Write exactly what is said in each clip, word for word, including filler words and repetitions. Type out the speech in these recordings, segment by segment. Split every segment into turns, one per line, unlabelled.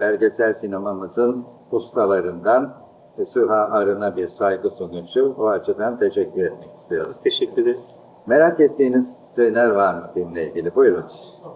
belgesel sinemamızın ustalarından ve Süha Arın'a bir saygı sunuşu. O açıdan teşekkür etmek istiyoruz.
Biz teşekkür ederiz.
Merak ettiğiniz şeyler var mı filmle ilgili? Buyurun.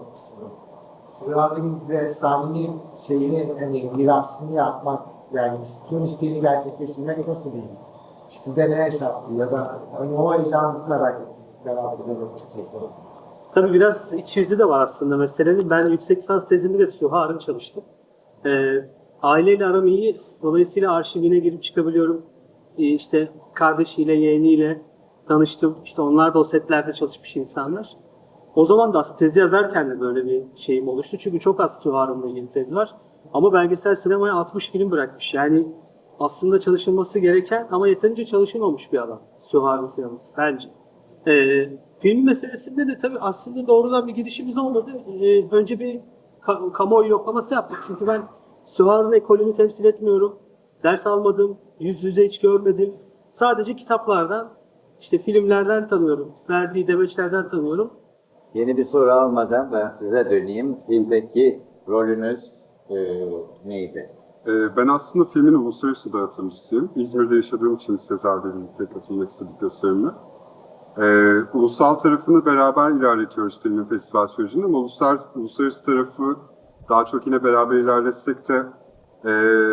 Sürahinin ve efsanenin şeyini, hani mirasını yapmak, yani tüm isteğini gerçekleştirmek nasıl bir his? Sizde ne yaşattı ya da hani o yaşantısını merak ettim. Merak ediyorum açıkçası.
Tabii biraz iç yüzü de var aslında meselenin. Ben yüksek lisans tezimi de Süha Arın çalıştım. Ee, aileyle aram iyi. Dolayısıyla arşivine girip çıkabiliyorum. Ee, işte kardeşiyle, yeğeniyle tanıştım. İşte onlar da o setlerde çalışmış insanlar. O zaman da aslında tezi yazarken de böyle bir şeyim oluştu. Çünkü çok az Süha Arın'la ilgili tez var. Ama belgesel sinemaya altmış film bırakmış. Yani aslında çalışılması gereken ama yeterince çalışılmamış bir alan Süha Arın sineması bence. Ee, film meselesinde de tabii aslında doğrudan bir girişimiz olmadı. Ee, önce bir ka- kamuoyu yoklaması yaptık. Çünkü ben Süha Arın ekolünü temsil etmiyorum. Ders almadım, yüz yüze hiç görmedim. Sadece kitaplardan, işte filmlerden tanıyorum. Verdiği demeçlerden tanıyorum.
Yeni bir soru almadan ben size döneyim. Filmdeki rolünüz e, neydi?
Ee, Ben aslında filmin uluslararası dağıtımcısıyım. İzmir'de yaşadığım için Sezar'la birlikte katılmak istedik gösterimle. Ee, ulusal tarafını beraber ilerletiyoruz filmin festival sürecinde ama uluslar, uluslararası tarafı daha çok yine beraber ilerletsek de ee,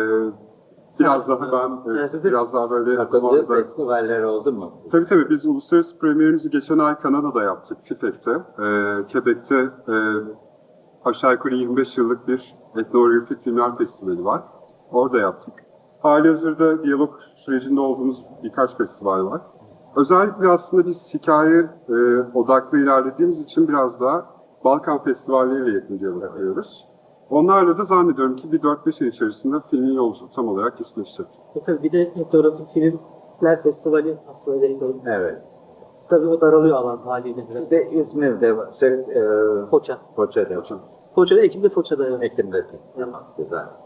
biraz daha ben evet,
Evet.
biraz daha böyle
Katıldığı
orada-
festivaller oldu mu?
Tabii tabii biz uluslararası premierimizi geçen ay Kanada'da yaptık, FIFEC'te. Ee, Quebec'te e, aşağı yukarı yirmi beş yıllık bir etnografik filmler festivali var. Orada yaptık. Halihazırda diyalog sürecinde olduğumuz birkaç festival var. Özellikle aslında biz hikaye e, odaklı ilerlediğimiz için biraz daha Balkan festivalleriyle yakın diyalog yapıyoruz. Onlarla da zannediyorum ki bir dört beş ay içerisinde filmin yolculuğu tam olarak kesinleşecek.
E tabii bir de etnografik filmler festivali aslında veriyorum.
Evet.
Tabii o daralıyor alan haliyle biraz.
Bir de İzmir'de var. Şey, e,
Foça.
Foça'da.
Foça'da, Ekim'de Foça'da. Evet.
Ekim'de.
Evet.
Güzel.